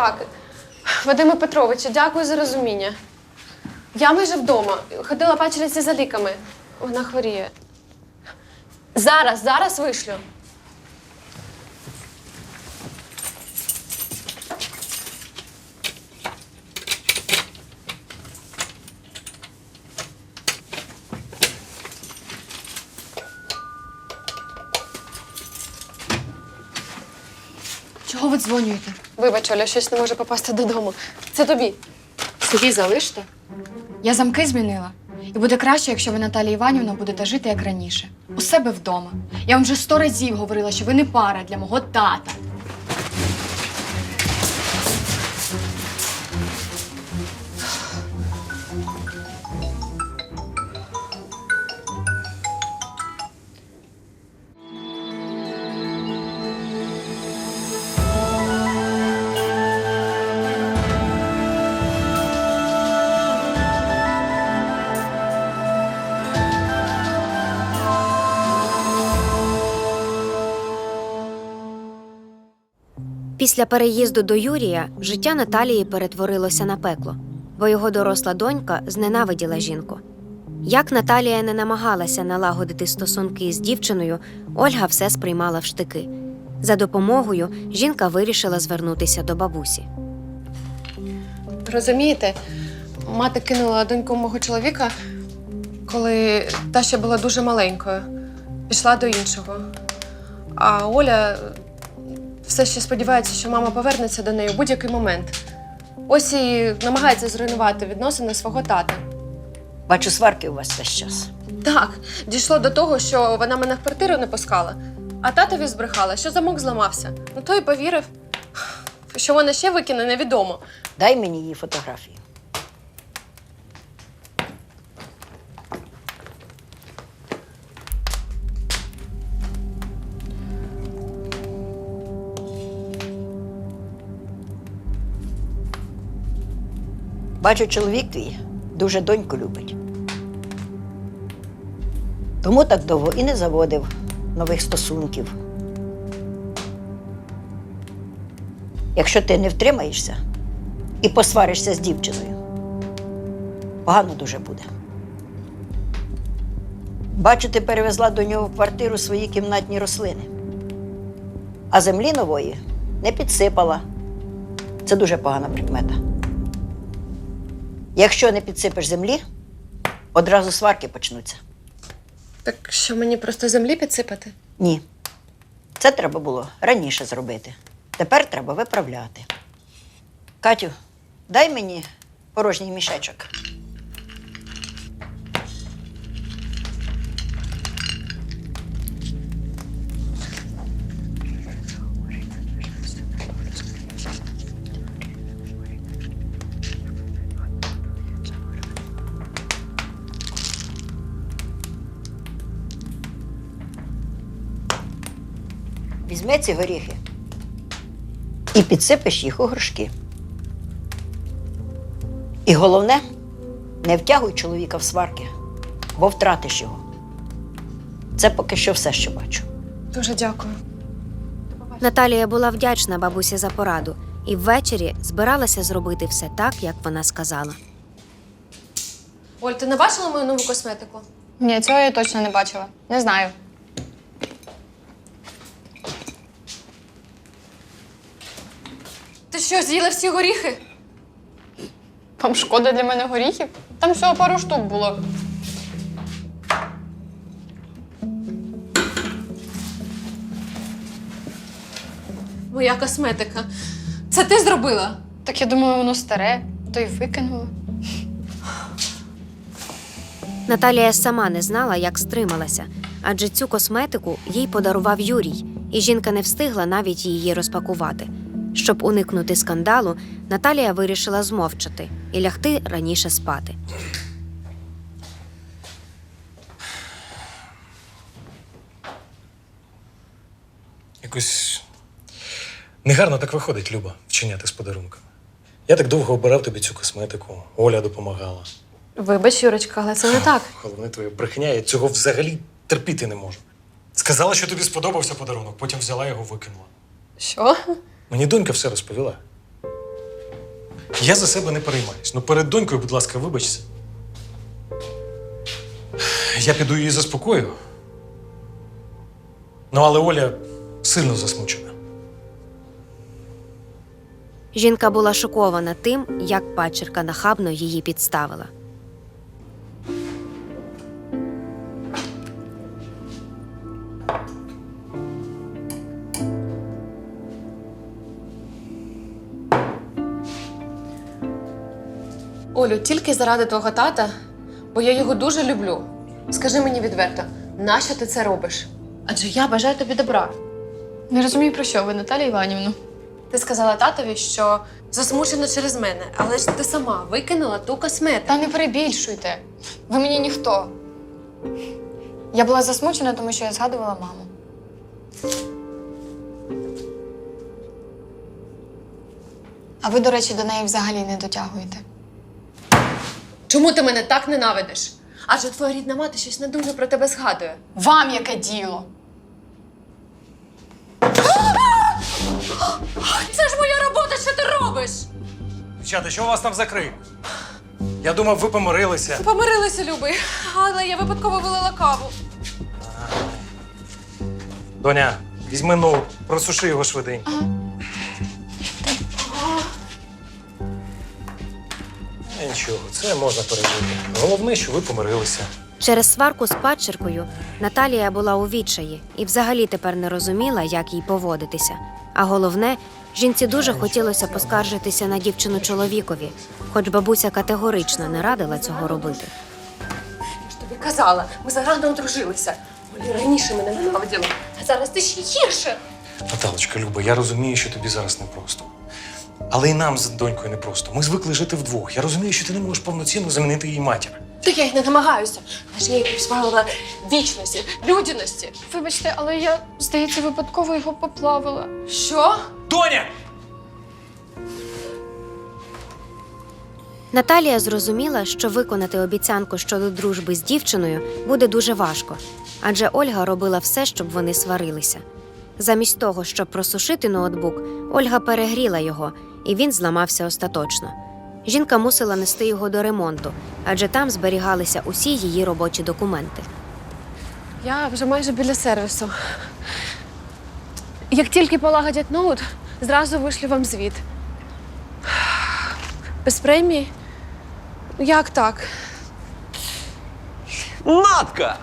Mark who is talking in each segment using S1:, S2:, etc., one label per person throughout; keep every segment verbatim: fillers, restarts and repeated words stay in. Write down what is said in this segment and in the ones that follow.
S1: Так, Вадиме Петровичу, дякую за розуміння. Я майже вдома. Ходила пачериці за ліками. Вона хворіє. Зараз, зараз вишлю.
S2: Чого ви дзвонюєте?
S1: Вибач, Оля, щось не може попасти додому. Це тобі.
S2: Собі залиште. Я замки змінила. І буде краще, якщо ви, Наталія Іванівна, будете жити, як раніше. У себе вдома. Я вам вже сто разів говорила, що ви не пара для мого тата.
S3: Після переїзду до Юрія життя Наталії перетворилося на пекло, бо його доросла донька зненавиділа жінку. Як Наталія не намагалася налагодити стосунки з дівчиною, Ольга все сприймала в штики. За допомогою жінка вирішила звернутися до бабусі.
S1: Розумієте, мати кинула доньку мого чоловіка, коли та ще була дуже маленькою. Пішла до іншого. А Оля все ще сподівається, що мама повернеться до неї у будь-який момент. Ось і намагається зруйнувати відносини свого тата.
S4: Бачу, сварки у вас весь час.
S1: Так, дійшло до того, що вона мене в квартиру не пускала, а татові збрехала, що замок зламався. Ну той повірив. Що вона ще викине, невідомо.
S4: Дай мені її фотографію. Бачу, чоловік твій дуже доньку любить. Тому так довго і не заводив нових стосунків. Якщо ти не втримаєшся і посваришся з дівчиною, погано дуже буде. Бачу, ти перевезла до нього в квартиру свої кімнатні рослини, а землі нової не підсипала. Це дуже погана прикмета. Якщо не підсипеш землі, одразу сварки почнуться.
S1: Так що мені просто землі підсипати?
S4: Ні. Це треба було раніше зробити. Тепер треба виправляти. Катю, дай мені порожній мішечок. Візьми ці горіхи і підсипеш їх у горшки. І головне, не втягуй чоловіка в сварки, бо втратиш його. Це поки що все, що бачу.
S1: Дуже дякую.
S3: Наталія була вдячна бабусі за пораду і ввечері збиралася зробити все так, як вона сказала.
S1: Оль, ти не бачила мою нову косметику?
S2: Ні, цього я точно не бачила. Не знаю.
S1: Ти що, з'їла всі горіхи?
S2: Вам шкода для мене горіхів? Там всього пару штук було.
S1: Моя косметика. Це ти зробила?
S2: Так я думала, воно старе, то й викинула.
S3: Наталія сама не знала, як стрималася, адже цю косметику їй подарував Юрій, і жінка не встигла навіть її розпакувати. Щоб уникнути скандалу, Наталія вирішила змовчати і лягти раніше спати.
S5: Якось негарно так виходить, Люба, вчиняти з подарунками. Я так довго обирав тобі цю косметику, Оля допомагала.
S1: Вибач, Юрочка, але це не так.
S5: Головне твоя брехня, я цього взагалі терпіти не можу. Сказала, що тобі сподобався подарунок, потім взяла його, викинула.
S1: Що?
S5: Мені донька все розповіла. Я за себе не переймаюсь. Ну перед донькою, будь ласка, вибачся. Я піду її заспокою. Ну, але Оля сильно засмучена.
S3: Жінка була шокована тим, як падчерка нахабно її підставила.
S1: Олю, тільки заради твого тата, бо я його дуже люблю. Скажи мені відверто, нащо ти це робиш? Адже я бажаю тобі добра.
S2: Не розумію, про що ви, Наталія Іванівна.
S1: Ти сказала татові, що засмучена через мене, але ж ти сама викинула ту косметику.
S2: Та не перебільшуйте. Ви мені ніхто. Я була засмучена, тому що я згадувала маму. А ви, до речі, до неї взагалі не дотягуєте.
S1: Чому ти мене так ненавидиш? Адже твоя рідна мати щось недужно про тебе згадує.
S2: Вам яке діло?
S1: Це ж моя робота, що ти робиш?
S5: Дівчата, що у вас там за крик? Я думав, ви помирилися.
S1: Помирилися, любий, але я випадково вилила каву.
S5: Доня, візьми ноут, просуши його швиденько. Е, Нічого, це можна пережити. Головне, що ви помирилися.
S3: Через сварку з падчеркою Наталія була у відчаї і взагалі тепер не розуміла, як їй поводитися. А головне, жінці дуже хотілося поскаржитися на дівчину чоловікові, хоч бабуся категорично не радила цього робити.
S1: Я ж тобі казала, ми зарано одружилися. Олі раніше мене ненавиділа, а зараз ти ще гірше.
S5: Наталочка, Люба, я розумію, що тобі зараз непросто. Але і нам з донькою непросто. Ми звикли жити вдвох. Я розумію, що ти не можеш повноцінно замінити її матір.
S1: Та я й не намагаюся. Але ж я їй позбавила вічності, людяності.
S2: Вибачте, але я, здається, випадково його поплавила.
S1: Що?
S5: Доня!
S3: Наталія зрозуміла, що виконати обіцянку щодо дружби з дівчиною буде дуже важко, адже Ольга робила все, щоб вони сварилися. Замість того, щоб просушити ноутбук, Ольга перегріла його, і він зламався остаточно. Жінка мусила нести його до ремонту, адже там зберігалися усі її робочі документи.
S1: Я вже майже біля сервісу. Як тільки полагодять ноут, зразу вишлю вам звіт. Без премії? Як так?
S6: Натка!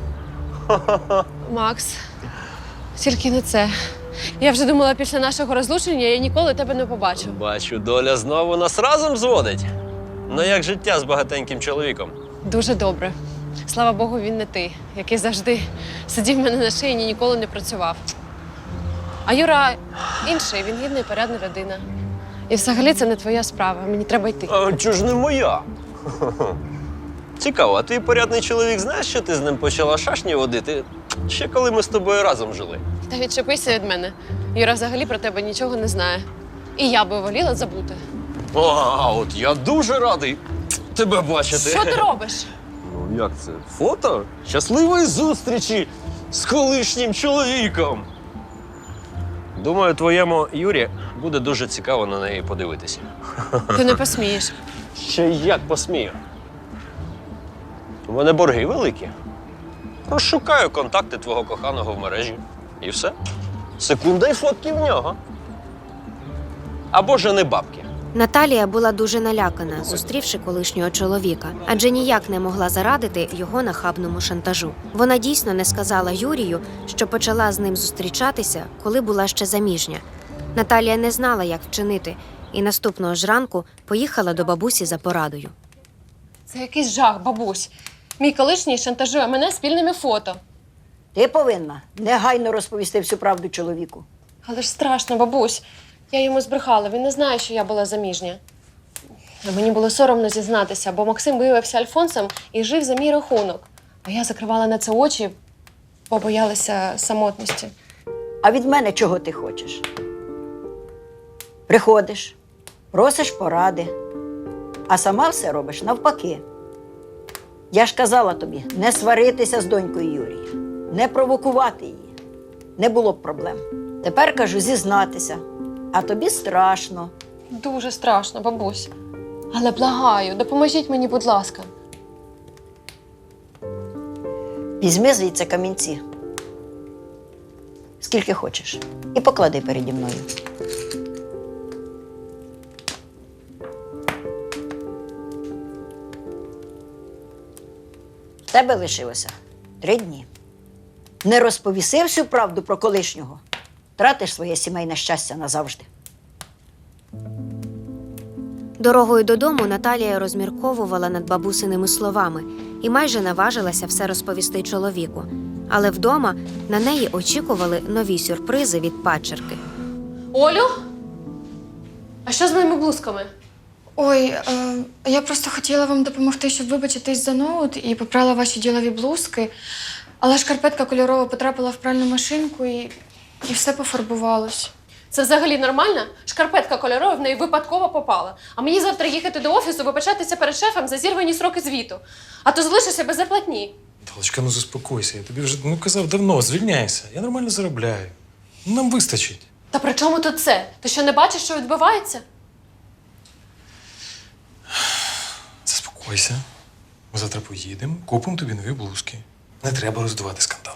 S1: Макс, тільки не це. Я вже думала, після нашого розлучення я ніколи тебе не побачу.
S6: Бачу, доля знову нас разом зводить. Ну як життя з багатеньким чоловіком?
S1: Дуже добре. Слава Богу, він не ти, який завжди сидів в мене на шиї і ніколи не працював. А Юра інший, він гідна і порядна людина. І взагалі це не твоя справа, мені треба йти.
S6: А чого ж не моя? Цікаво, а твій порядний чоловік знаєш, що ти з ним почала шашні водити? Ще коли ми з тобою разом жили.
S1: Та відчепися від мене. Юра взагалі про тебе нічого не знає. І я би воліла забути.
S6: О, а от я дуже радий тебе бачити.
S1: Що ти робиш?
S6: Ну як це? Фото щасливої зустрічі з колишнім чоловіком. Думаю, твоєму Юрі буде дуже цікаво на неї подивитися.
S1: Ти не посмієш.
S6: Ще як посмію. У мене борги великі. Розшукаю контакти твого коханого в мережі. І все. Секунда і фотки в нього. Або жени бабки.
S3: Наталія була дуже налякана, зустрівши колишнього чоловіка, адже ніяк не могла зарадити його нахабному шантажу. Вона дійсно не сказала Юрію, що почала з ним зустрічатися, коли була ще заміжня. Наталія не знала, як вчинити, і наступного ж ранку поїхала до бабусі за порадою.
S1: Це якийсь жах, бабусь. Мій колишній шантажує мене спільними фото.
S4: Ти повинна негайно розповісти всю правду чоловіку.
S1: Але ж страшно, бабусь. Я йому збрехала, він не знає, що я була заміжня. А мені було соромно зізнатися, бо Максим виявився альфонсом і жив за мій рахунок. А я закривала на це очі, бо боялася самотності.
S4: А від мене чого ти хочеш? Приходиш, просиш поради, а сама все робиш навпаки. Я ж казала тобі, не сваритися з донькою Юрія, не провокувати її. Не було б проблем. Тепер кажу зізнатися, а тобі страшно.
S1: Дуже страшно, бабусь. Але благаю, допоможіть мені, будь ласка.
S4: Візьми звідси камінці. Скільки хочеш. І поклади переді мною. В тебе лишилося три дні. Не розповіси всю правду про колишнього. Тратиш своє сімейне щастя назавжди.
S3: Дорогою додому Наталія розмірковувала над бабусиними словами і майже наважилася все розповісти чоловіку. Але вдома на неї очікували нові сюрпризи від падчерки.
S1: Олю? А що з моїми блузками?
S2: Ой, е, я просто хотіла вам допомогти, щоб вибачитись за ноут і попрала ваші ділові блузки. Але шкарпетка кольорова потрапила в пральну машинку і, і все пофарбувалось.
S1: Це взагалі нормально? Шкарпетка кольорова в неї випадково попала. А мені завтра їхати до офісу, вибачатися перед шефом за зірвані сроки звіту. А то залишишся без зарплатні.
S5: Талочка, ну заспокойся. Я тобі вже ну, казав давно, звільняйся. Я нормально заробляю. Ну, нам вистачить.
S1: Та при чому тут це? Ти що, не бачиш, що відбувається?
S5: Заспокойся. Ми завтра поїдемо, купимо тобі нові блузки. Не треба роздувати скандал.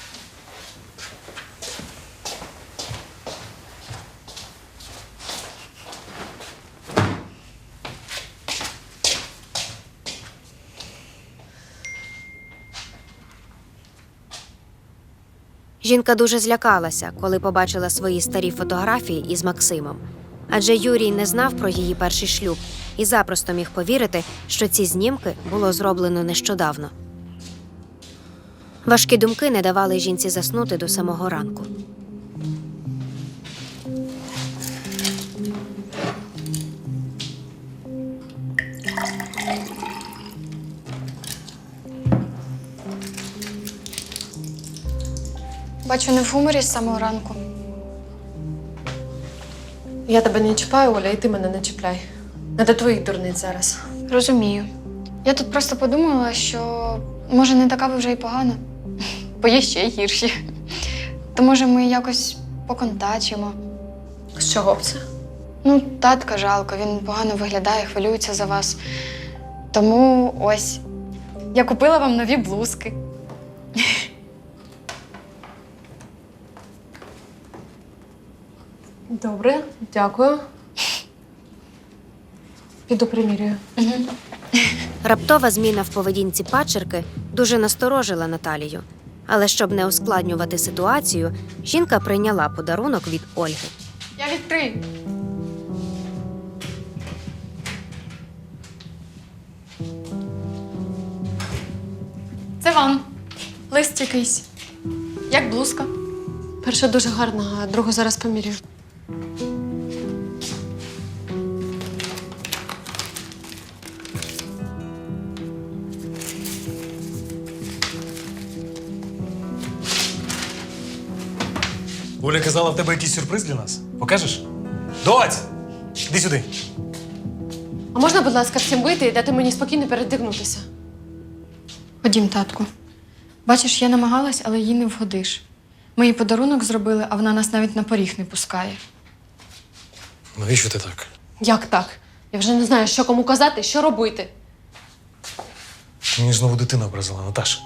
S3: Жінка дуже злякалася, коли побачила свої старі фотографії із Максимом. Адже Юрій не знав про її перший шлюб і запросто міг повірити, що ці знімки було зроблено нещодавно. Важкі думки не давали жінці заснути до самого ранку.
S2: Бачу, не в гуморі з самого ранку.
S1: Я тебе не чіпаю, Оля, і ти мене не чіпляй. Не до твоїх дурниць зараз.
S2: Розумію. Я тут просто подумала, що може не така ви вже й погана, бо є ще й гірші. То може ми якось поконтачимо.
S1: З чого б це?
S2: Ну, татка жалко, він погано виглядає, хвилюється за вас. Тому ось, я купила вам нові блузки.
S1: Добре, дякую. Піду примірюю.
S3: Раптова зміна в поведінці падчерки дуже насторожила Наталію. Але щоб не ускладнювати ситуацію, жінка прийняла подарунок від Ольги.
S2: Я відкрию. Це вам. Лист якийсь. Як блузка.
S1: Перша дуже гарна, а другу зараз помірюю.
S5: Оля казала, в тебе якийсь сюрприз для нас. Покажеш? Доць! Іди сюди.
S1: А можна, будь ласка, всім вийти і дати мені спокійно передягнутися?
S2: Ходім, татку. Бачиш, я намагалась, але їй не вгодиш. Ми їй подарунок зробили, а вона нас навіть на поріг не пускає.
S5: Навіщо ти так?
S1: Як так? Я вже не знаю, що кому казати, що робити.
S5: Мені знову дитина образила, Наташа.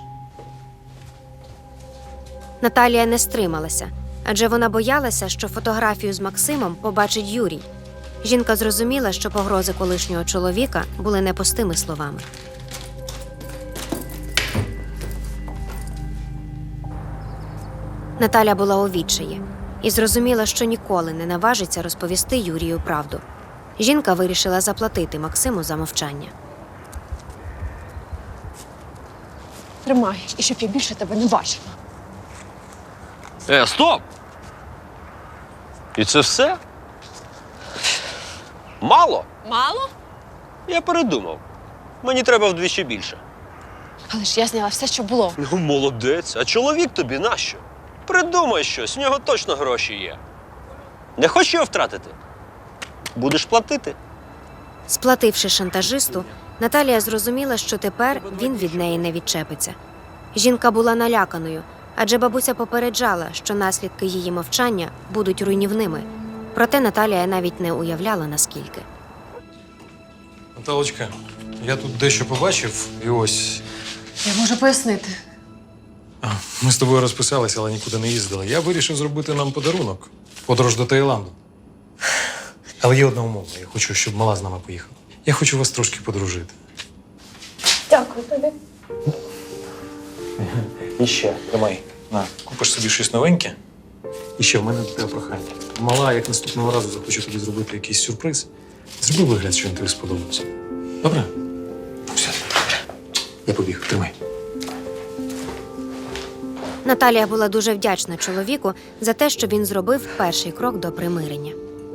S3: Наталія не стрималася, адже вона боялася, що фотографію з Максимом побачить Юрій. Жінка зрозуміла, що погрози колишнього чоловіка були не пустими словами. Наталя була у відчаї і зрозуміла, що ніколи не наважиться розповісти Юрію правду. Жінка вирішила заплатити Максиму за мовчання.
S1: Тримай, і щоб я більше тебе не бачила.
S6: Е, стоп! І це все? Мало?
S1: Мало?
S6: Я передумав. Мені треба вдвічі більше.
S1: Але ж я зняла все, що було.
S6: Ну, молодець. А чоловік тобі нащо? Придумай щось, в нього точно гроші є. Не хочеш його втратити? Будеш платити.
S3: Сплативши шантажисту, Наталія зрозуміла, що тепер він від неї не відчепиться. Жінка була наляканою, адже бабуся попереджала, що наслідки її мовчання будуть руйнівними. Проте Наталія навіть не уявляла, наскільки.
S5: Наталочка, я тут дещо побачив, і ось.
S1: Я можу пояснити.
S5: А, ми з тобою розписалися, але нікуди не їздили. Я вирішив зробити нам подарунок. Подорож до Таїланду. Але є одна умова. Я хочу, щоб мала з нами поїхала. Я хочу вас трошки подружити.
S1: Дякую тобі.
S5: І ще, тримай. На, купиш собі щось новеньке. І ще в мене до тебе прохання. Мала, як наступного разу захочу тобі зробити якийсь сюрприз, зроби вигляд, що він тобі сподобався. Добре? Все. Я побіг, тримай.
S3: Наталія була дуже вдячна чоловіку за те, що він зробив перший крок до примирення.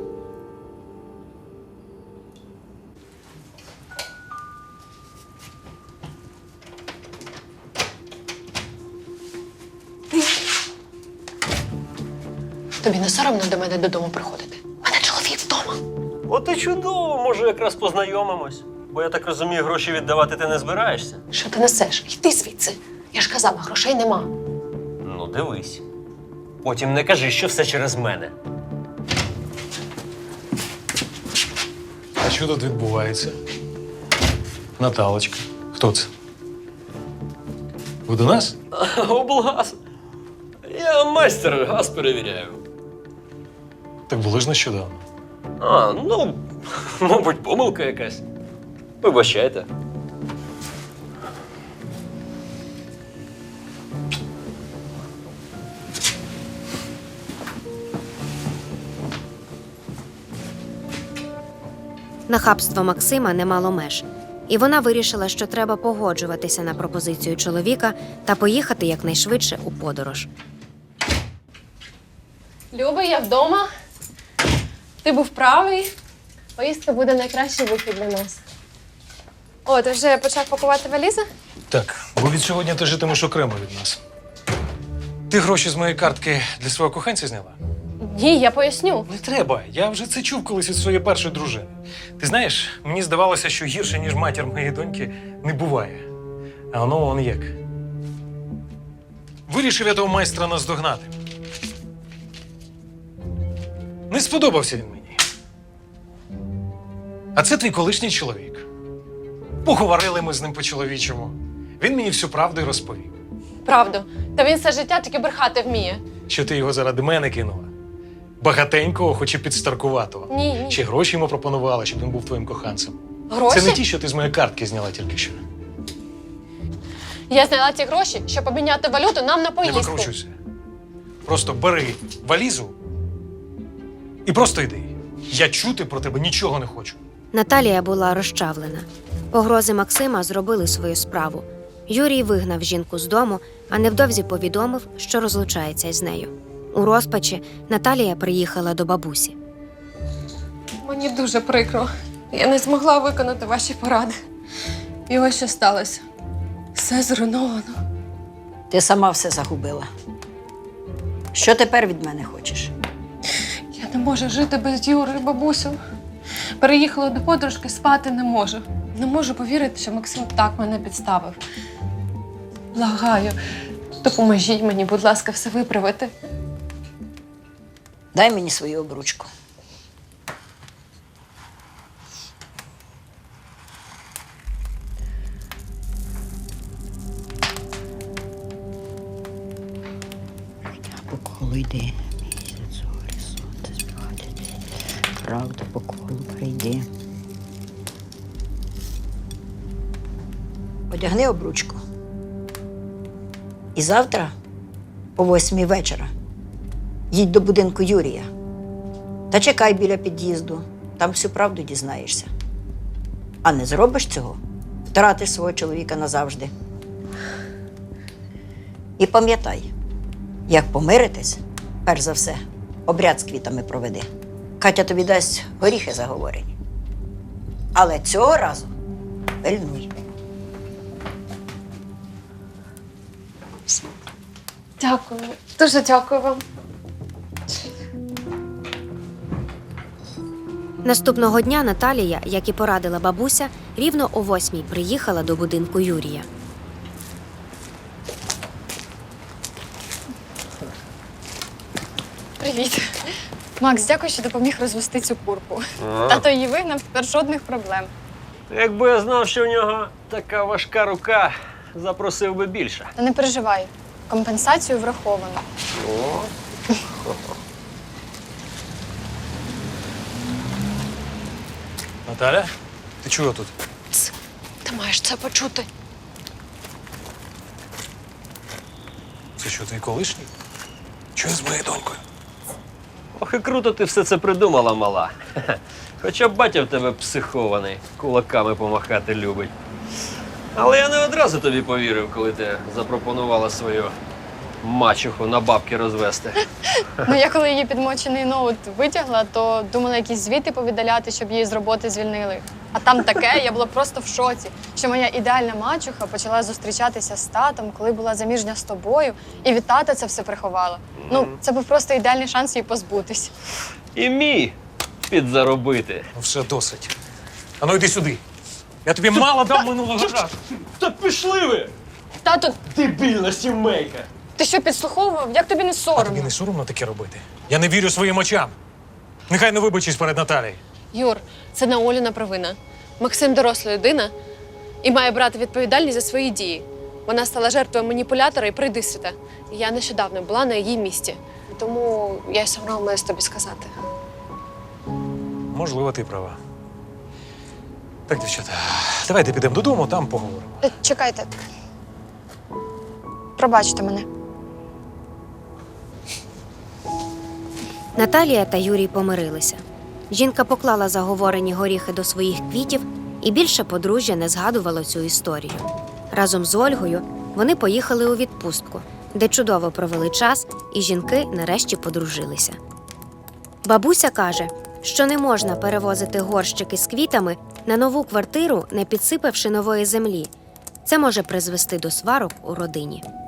S1: Тобі не соромно до мене додому приходити? У мене чоловік вдома.
S6: От і чудово, може, якраз познайомимось. Бо я так розумію, гроші віддавати ти не збираєшся.
S1: Що ти несеш? Йди звідси. Я ж казала, грошей нема.
S6: Ну, дивись. Потім не кажи, що все через мене.
S5: А що тут відбувається? Наталочка. Хто це? Ви до нас?
S6: Облгаз. Я майстер, газ перевіряю.
S5: Так були ж нещодавно.
S6: А, ну, мабуть, помилка якась. Вибачайте.
S3: Нахабство Максима не мало меж, і вона вирішила, що треба погоджуватися на пропозицію чоловіка та поїхати якнайшвидше у подорож.
S1: Люба, я вдома. Ти був правий. Поїздка буде найкращий вихід для нас. О, ти вже почав пакувати валізи?
S5: Так, бо від сьогодні ти житимеш окремо від нас. Ти гроші з моєї картки для свого коханця зняла?
S1: Ні, я поясню.
S5: Не треба. Я вже це чув колись від своєї першої дружини. Ти знаєш, мені здавалося, що гірше, ніж матір моєї доньки, не буває. А воно вон як. Вирішив я того майстра наздогнати. Не сподобався він мені. А це твій колишній чоловік. Поговорили ми з ним по-чоловічому. Він мені всю правду й розповів.
S1: Правду. Та він все життя тільки брехати вміє.
S5: Що ти його заради мене кинула. Багатенького, хоч і підстаркуватого.
S1: Ні, ні.
S5: Чи гроші йому пропонувала, щоб він був твоїм коханцем.
S1: Гроші?
S5: Це не ті, що ти з моєї картки зняла тільки що.
S1: Я зняла ці гроші, щоб обміняти валюту нам на
S5: Не
S1: поїздку.
S5: викручуйся. Просто бери валізу і просто йди. Я чути про тебе нічого не хочу.
S3: Наталія була розчавлена. Погрози Максима зробили свою справу. Юрій вигнав жінку з дому, а невдовзі повідомив, що розлучається із нею. У розпачі Наталія приїхала до бабусі.
S1: Мені дуже прикро. Я не змогла виконати ваші поради. І ось що сталося. Все зруйновано.
S4: Ти сама все загубила. Що тепер від мене хочеш?
S1: Я не можу жити без Юри, бабусю. Переїхала до подружки, спати не можу. Не можу повірити, що Максим так мене підставив. Благаю, допоможіть мені, будь ласка, все виправити.
S4: Дай мені свою обручку. По колу йди. Місяць, зорі, сонце співати. Правда по колу прийди. Одягни обручку. І завтра, о восьмій вечора, їдь до будинку Юрія. Та чекай біля під'їзду, там всю правду дізнаєшся. А не зробиш цього, втратиш свого чоловіка назавжди. І пам'ятай, як помиритись, перш за все, обряд з квітами проведи. Катя тобі дасть горіхи заговорені. Але цього разу пильнуй.
S1: Дякую. Дуже дякую вам.
S3: Наступного дня Наталія, як і порадила бабуся, рівно о восьмій приїхала до будинку Юрія.
S1: Привіт.
S2: Макс, дякую, що допоміг розвести цю курку.
S6: А.
S2: Тато її вигнав, тепер жодних проблем.
S6: Якби я знав, що в нього така важка рука, запросив би більше.
S2: Та не переживай, компенсацію враховано.
S6: О.
S5: Наталя, ти чого тут?
S1: Ти маєш це почути.
S5: Це що, твій колишній? Що з моєю донькою?
S6: Ох, і круто ти все це придумала, мала. Хоча б батя в тебе психований, кулаками помахати любить. Але я не одразу тобі повірив, коли ти запропонувала свою мачуху на бабки розвести.
S2: Ну, я коли її підмочений ноут витягла, то думала якісь звіти повідаляти, щоб її з роботи звільнили. А там таке, я була просто в шоці, що моя ідеальна мачуха почала зустрічатися з татом, коли була заміжня з тобою, і від тата це все приховала. Ну, це був просто ідеальний шанс її позбутись.
S6: І мій підзаробити.
S5: Ну все, досить. А ну йди сюди. Я тобі мало дав минулого разу.
S6: Та пішли ви!
S2: Тато,
S6: Дебільна сімейка!
S2: ти що, підслуховував? Як тобі не
S5: А
S2: соромно?
S5: тобі не соромно таке робити? Я не вірю своїм очам. Нехай не вибачись перед Наталією.
S1: Юр, це не Оліна провина. Максим доросла людина і має брати відповідальність за свої дії. Вона стала жертвою маніпулятора і пройдисвіта. Я нещодавно була на її місці. Тому я й соромилась тобі сказати.
S5: Можливо, ти права. Так, дівчата, давайте підемо додому, там поговоримо.
S2: Е, Чекайте. Пробачте мене.
S3: Наталія та Юрій помирилися. Жінка поклала заговорені горіхи до своїх квітів, і більше подружжя не згадувало цю історію. Разом з Ольгою вони поїхали у відпустку, де чудово провели час, і жінки нарешті подружилися. Бабуся каже, що не можна перевозити горщики з квітами на нову квартиру, не підсипавши нової землі. Це може призвести до сварок у родині.